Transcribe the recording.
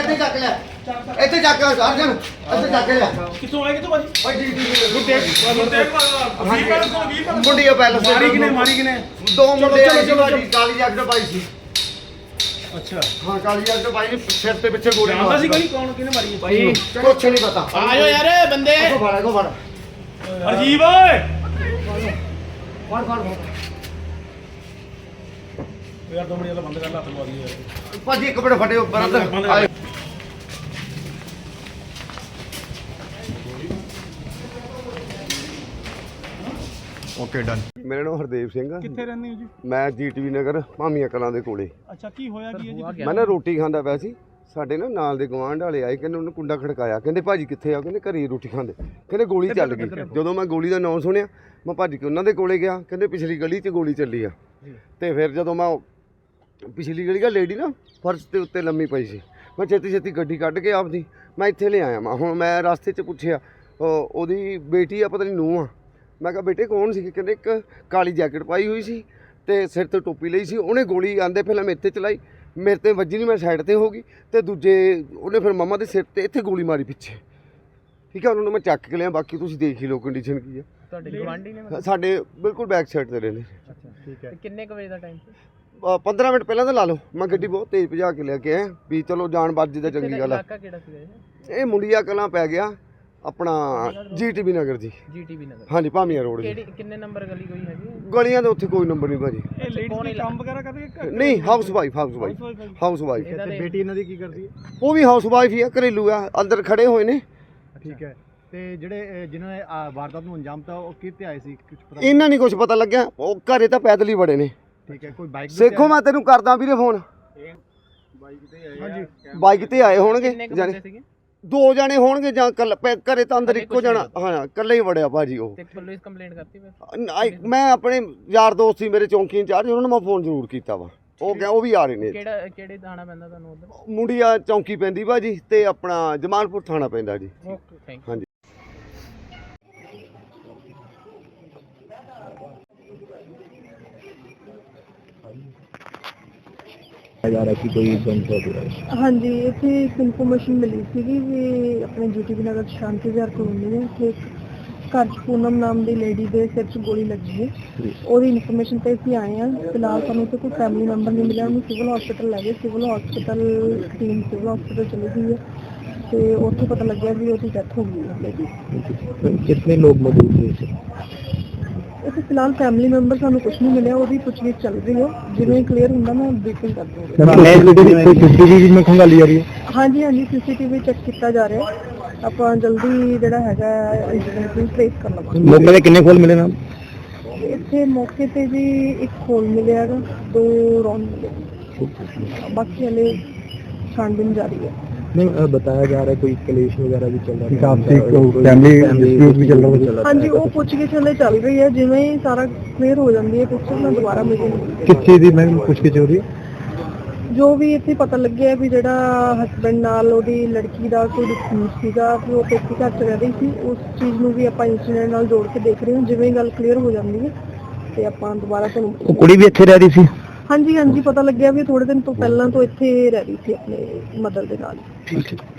ਇੱਥੇ ਚੱਕ ਲਿਆ ਇੱਥੇ ਚੱਕ ਅਰਜਨ ਇੱਥੇ ਚੱਕ ਲਿਆ ਕਿੱਥੋਂ ਆਏ ਕਿੱਥੋਂ ਭਾਜੀ ਓਏ ਜੀ ਮੁੰਡਿਆ ਪੈਲਸ ਮਾਰੀ ਕਿਨੇ ਦੋ ਮੁੰਡੇ ਆਏ ਸੀ ਭਾਜੀ ਕਾਲੀ ਜੈਕਟ ਪਾਈ ਸੀ ਅੱਛਾ ਹਾਂ ਕਾਲੀ ਜੈਕਟ ਪਾਈ ਨੇ ਸਿਰ ਤੇ ਪਿੱਛੇ ਗੋਲੀ ਜਾਣਦਾ ਸੀ ਕੋਈ ਕੌਣ ਕਿਹਨੇ ਮਾਰੀ ਹੈ ਭਾਈ ਕੁਛ ਨਹੀਂ ਪਤਾ ਆਜੋ ਯਾਰ ਬੰਦੇ ਕੋ ਫੜ ਅਜੀਬ ਓਏ ਫੜ ਯਾਰ 2 ਮਿੰਟ ਬੰਦ ਕਰ ਲਾ ਹੱਥ ਲਵਾ ਦੀ ਯਾਰ ਭਾਜੀ ਇੱਕ ਮਿੰਟ ਫਟਿਓ ਬਰਾਦਰ ਆਏ ਓਕੇ ਡਨ ਮੇਰਾ ਨਾਮ ਹਰਦੇਵ ਸਿੰਘ ਆ। ਕਿੱਥੇ ਰਹਿੰਦੇ ਹੋ ਜੀ? ਮੈਂ ਜੀਟੀਵੀ ਨਗਰ ਭਾਮੀਆਂ ਕਲਾਂ ਦੇ ਕੋਲੇ। ਅੱਛਾ ਕੀ ਹੋਇਆ ਕੀ ਹੈ ਜੀ? ਮੈਂ ਨਾ ਰੋਟੀ ਖਾਂਦਾ ਪਿਆ ਸੀ, ਸਾਡੇ ਨਾ ਨਾਲ ਦੇ ਗਵਾਂਢ ਵਾਲੇ ਆਏ, ਕਹਿੰਦੇ ਉਹਨੇ ਕੁੰਡਾ ਖੜਕਾਇਆ, ਕਹਿੰਦੇ ਭਾਜੀ ਕਿੱਥੇ ਆ? ਕਹਿੰਦੇ ਘਰੇ ਰੋਟੀ ਖਾਂਦੇ, ਕਹਿੰਦੇ ਗੋਲੀ ਚੱਲ ਗਈ। ਜਦੋਂ ਮੈਂ ਗੋਲੀ ਦਾ ਨਾਂ ਸੁਣਿਆ ਮੈਂ ਭੱਜ ਕੇ ਉਹਨਾਂ ਦੇ ਕੋਲੇ ਗਿਆ, ਕਹਿੰਦੇ ਪਿਛਲੀ ਗਲੀ 'ਚ ਗੋਲੀ ਚੱਲੀ ਆ। ਤੇ ਫਿਰ ਜਦੋਂ ਮੈਂ ਪਿਛਲੀ ਗਲੀ ਦਾ ਲੇਡੀ ਨਾ ਫਰਸ਼ ਦੇ ਉੱਤੇ ਲੰਮੀ ਪਈ ਸੀ, ਮੈਂ ਛੇਤੀ ਛੇਤੀ ਗੱਡੀ ਕੱਢ ਕੇ ਆਪਦੀ ਮੈਂ ਇੱਥੇ ਲੈ ਆਇਆ। ਹੁਣ ਮੈਂ ਰਸਤੇ 'ਚ ਪੁੱਛਿਆ ਉਹਦੀ ਬੇਟੀ ਆ, ਪਤਾ ਨਹੀਂ ਨੂੰਹ ਆ। ਮੈਂ ਕਿਹਾ ਬੇਟੇ ਕੌਣ ਸੀ? ਕਹਿੰਦੇ ਇੱਕ ਕਾਲੀ ਜੈਕਟ ਪਾਈ ਹੋਈ ਸੀ ਤੇ ਸਿਰ ਤੇ ਟੋਪੀ ਲਈ ਸੀ, ਉਹਨੇ ਗੋਲੀ ਆਂਦੇ ਪਹਿਲਾਂ ਮੇਰੇ 'ਤੇ ਚਲਾਈ, ਮੇਰੇ 'ਤੇ ਵੱਜੀ ਨਹੀਂ, ਮੈਂ ਸਾਈਡ 'ਤੇ ਹੋ ਗਈ ਤੇ ਦੂਜੇ ਉਹਨੇ ਫਿਰ ਮੰਮਾ ਦੇ ਸਿਰ 'ਤੇ ਇੱਥੇ ਗੋਲੀ ਮਾਰੀ ਪਿੱਛੇ। ਠੀਕ ਹੈ, ਉਹਨਾਂ ਨੂੰ ਮੈਂ ਚੱਕ ਕੇ ਲਿਆ, ਬਾਕੀ ਤੁਸੀਂ ਦੇਖ ਹੀ ਲਓ ਕੰਡੀਸ਼ਨ ਕੀ ਹੈ। ਤੁਹਾਡੇ ਗਵਾਂਢੀ ਨੇ ਸਾਡੇ ਬਿਲਕੁਲ ਬੈਕ ਸਾਈਡ 'ਤੇ ਰਹਿੰਦੇ। ਅੱਛਾ ਠੀਕ ਹੈ। ਕਿੰਨੇ ਕ ਵਜੇ ਦਾ ਟਾਈਮ ਸੀ? 15 ਮਿੰਟ ਪਹਿਲਾਂ ਤਾਂ ਲਾ ਲਓ, ਮੈਂ ਗੱਡੀ ਬਹੁਤ ਤੇਜ਼ ਭਜਾ ਕੇ ਲੈ ਕੇ ਆਇਆ ਵੀ ਚਲੋ ਜਾਨ ਬਚ ਜੇ ਤਾਂ ਚੰਗੀ ਗੱਲ ਆ। ਇਲਾਕਾ ਕਿਹੜਾ ਸੀਗਾ ਇਹ ਮੁੰਡਿਆ ਕਲਾਂ ਪੈ ਗਿਆ ਆਪਣਾ ਜੀਟੀਵੀ ਨਗਰ ਜੀ। ਜੀਟੀਵੀ ਨਗਰ ਹਾਂਜੀ ਭਾਮੀਆਂ ਰੋਡ ਜੀ। ਕਿਹੜੀ ਕਿੰਨੇ ਨੰਬਰ ਗਲੀ ਕੋਈ ਹੈਗੀ? ਗਲੀਆਂ ਦੇ ਉੱਥੇ ਕੋਈ ਨੰਬਰ ਨਹੀਂ ਭਾਜੀ। ਇਹ ਲੇਡੀ ਕੰਮ ਵਗੈਰਾ ਕਰਦੇ? ਨਹੀਂ ਹਾਊਸ ਵਾਈਫ ਹਾਊਸ ਬੇਟੀ ਇਹਨਾਂ ਦੀ ਕੀ ਕਰਦੀ ਹੈ? ਉਹ ਵੀ ਹਾਊਸ ਵਾਈਫ ਹੀ ਆ, ਘਰੇਲੂ ਆ, ਅੰਦਰ ਖੜੇ ਹੋਏ ਨੇ। ਠੀਕ ਹੈ। ਤੇ ਜਿਹੜੇ ਜਿਨ੍ਹਾਂ ਨੇ ਵਾਰਦਾਤ ਨੂੰ ਅੰਜਾਮ ਦਿੱਤਾ ਉਹ ਕਿੱਥੇ ਆਏ ਸੀ? ਕੁਝ ਪਤਾ ਇਹਨਾਂ ਨਹੀਂ ਕੁਝ ਪਤਾ ਲੱਗਿਆ, ਉਹ ਘਰੇ ਤਾਂ ਪੈਦਲ ਹੀ ਬੜੇ ਨੇ। ਠੀਕ ਹੈ। ਕੋਈ ਬਾਈਕ ਦੇਖੋ ਮੈਂ ਤੈਨੂੰ ਕਰਦਾ ਵੀਰੇ ਫੋਨ। ਬਾਈਕ ਤੇ ਆਏ? ਹਾਂਜੀ ਬਾਈਕ ਤੇ ਆਏ ਹੋਣਗੇ ਕਿੰਨੇ ਕ ਜਾਣੇ, ਬੰਦੇ ਸੀਗੇ? 2 ਜਾਣੇ ਹੋਣਗੇ ਜਾਂ ਘਰੇ ਤਾਂ ਅੰਦਰ ਇੱਕੋ ਜਾਣਾ। ਹਾਂ ਇਕੱਲੇ ਹੀ ਵੜਿਆ ਭਾਜੀ ਉਹ। ਤੇ ਪੁਲਿਸ ਕੰਪਲੇਂਟ ਕਰਤੀ ਫਿਰ? ਮੈਂ ਆਪਣੇ ਯਾਰ ਦੋਸਤ ਸੀ ਮੇਰੇ ਚੌਂਕੀ ਇੰਚਾਰਜ, ਉਹਨਾਂ ਨੂੰ ਮੈਂ ਫੋਨ ਜ਼ਰੂਰ ਕੀਤਾ ਵਾ। ਉਹ ਕਿਹਾ ਉਹ ਵੀ ਆ ਰਹੇ ਨੇ। ਕਿਹੜੇ ਥਾਣਾ ਪੈਂਦਾ ਤੁਹਾਨੂੰ ਉਧਰ? ਮੁੰਡਿਆ ਚੌਂਕੀ ਪੈਂਦੀ ਭਾਜੀ ਤੇ ਆਪਣਾ ਜਮਾਲਪੁਰ ਥਾਣਾ ਪੈਂਦਾ ਜੀ। ਓਕੇ ਥੈਂਕ ਹਾਂਜੀ। ਹਾਂਜੀ ਇੱਥੇ ਇੱਕ ਇਨਫੋਰਮੇਸ਼ਨ ਮਿਲੀ ਸੀਗੀ ਵੀ ਆਪਣੇ ਜੀਟੀਵੀ ਨਗਰ ਸ਼ਾਂਤੀ ਵਿਹਾਰ ਕਲੋਨੀ ਹੈ, ਇੱਥੇ ਇੱਕ ਘਰ 'ਚ ਪੂਨਮ ਨਾਮ ਦੀ ਲੇਡੀ ਦੇ ਸਿਰ 'ਚ ਗੋਲੀ ਲੱਗੀ ਹੈ। ਉਹਦੀ ਇਨਫੋਰਮੇਸ਼ਨ ਤੇ ਅਸੀਂ ਆਏ ਹਾਂ। ਫਿਲਹਾਲ ਸਾਨੂੰ ਉੱਥੇ ਕੋਈ ਫੈਮਿਲੀ ਮੈਂਬਰ ਨਹੀਂ ਮਿਲਿਆ, ਉਹਨੂੰ ਸਿਵਲ ਹਸਪੀਟਲ ਲੈ ਗਏ। Civil hospital team civil hospital ਚਲੀ ਗਈ ਹੈ ਤੇ ਉੱਥੇ ਪਤਾ ਲੱਗਿਆ ਵੀ ਉਹਦੀ ਡੈਥ ਹੋ ਗਈ ਹੈ ਲੇਡੀ। ਕਿੰਨੇ ਲੋਕ ਮੌਜੂਦ ਸੀ? ਇੱਥੇ ਫਿਲਹਾਲ ਫੈਮਿਲੀ ਮੈਂਬਰ ਸਾਨੂੰ ਕੁਝ ਨਹੀਂ ਮਿਲਿਆ, ਉਹਦੀ ਪੁੱਛਗਿੱਛ ਚੱਲ ਰਹੀ ਹੈ। ਜਿਵੇਂ ਕਲੀਅਰ ਹੁੰਦਾ ਮੈਂ ਬਰੀਫਿੰਗ ਕਰ ਦੂੰਗੀ। ਸੀਸੀਟੀਵੀ ਵਿੱਚ ਖੰਗਾਲੀ ਜਾ ਰਹੀ ਹੈ? ਹਾਂਜੀ ਸੀਸੀਟੀਵੀ ਚੈੱਕ ਕੀਤਾ ਜਾ ਰਿਹਾ। ਆਪਾਂ ਜਲਦੀ ਜਿਹੜਾ ਹੈਗਾ ਇੰਸੀਡੈਂਟ ਨੂੰ ਟ੍ਰੇਸ ਕਰ ਲਵਾਂਗੇ। ਮੌਕੇ ਤੇ ਕਿੰਨੇ ਖੋਲ ਮਿਲੇ ਨਾਮ? ਇੱਥੇ ਮੌਕੇ ਤੇ ਜੀ ਇੱਕ ਖੋਲ ਮਿਲਿਆ ਹੈਗਾ, 2 ਰੌਂਡ ਮਿਲੇ, ਬਾਕੀ ਹਲੇ ਛਾਣਬੀਨ ਜਾਰੀ ਹੈ। नहीं बताया जा रहा है कोई कलेश वगैरह भी चल रहा है, फैमिली डिस्प्यूट भी चल रहा है? ਹਾਂਜੀ ਉਹ ਪੁੱਛਗਿੱਛ ਹਲੇ ਚੱਲ ਰਹੀ ਹੈ। ਜਿਵੇਂ ਹੀ ਸਾਰਾ ਕਲੀਅਰ ਹੋ ਜਾਂਦੀ ਹੈ ਪਿਕਚਰ ਮੈਂ ਦੁਬਾਰਾ ਮਿਲੂੰਗੀ। किस चीज़ की मैम पूछगिछ हो रही है? ਜੋ ਵੀ ਇੱਥੇ ਪਤਾ ਲੱਗਿਆ ਵੀ ਜਿਹੜਾ ਹਸਬੈਂਡ ਨਾਲ ਉਹਦੀ ਲੜਕੀ ਦਾ ਕੋਈ ਡਿਸਪਿਊਟ ਸੀਗਾ ਕਿ ਉਹ ਪੇਕੀ ਘਰ 'ਚ ਰਹਿ ਰਹੀ ਸੀ, ਉਸ ਚੀਜ਼ ਨੂੰ ਵੀ ਆਪਾਂ ਇੰਸੀਡੈਂਟ ਨਾਲ ਜੋੜ ਕੇ ਦੇਖ ਰਹੇ ਹਾਂ। ਜਿਵੇਂ ਗੱਲ ਕਲੀਅਰ ਹੋ ਜਾਂਦੀ ਹੈ ਤੇ ਆਪਾਂ ਦੁਬਾਰਾ ਤੁਹਾਨੂੰ कुड़ी भी ਇੱਥੇ ਰਹਿ ਰਹੀ ਸੀ? ਹਾਂਜੀ ਪਤਾ ਲੱਗਿਆ ਵੀ ਥੋੜੇ ਦਿਨ ਤੋਂ ਪਹਿਲਾਂ ਤੋਂ ਇੱਥੇ ਰਹਿ ਰਹੀ ਸੀ ਆਪਣੇ ਮਦਰ ਦੇ ਨਾਲ। ਠੀਕ ਹੈ।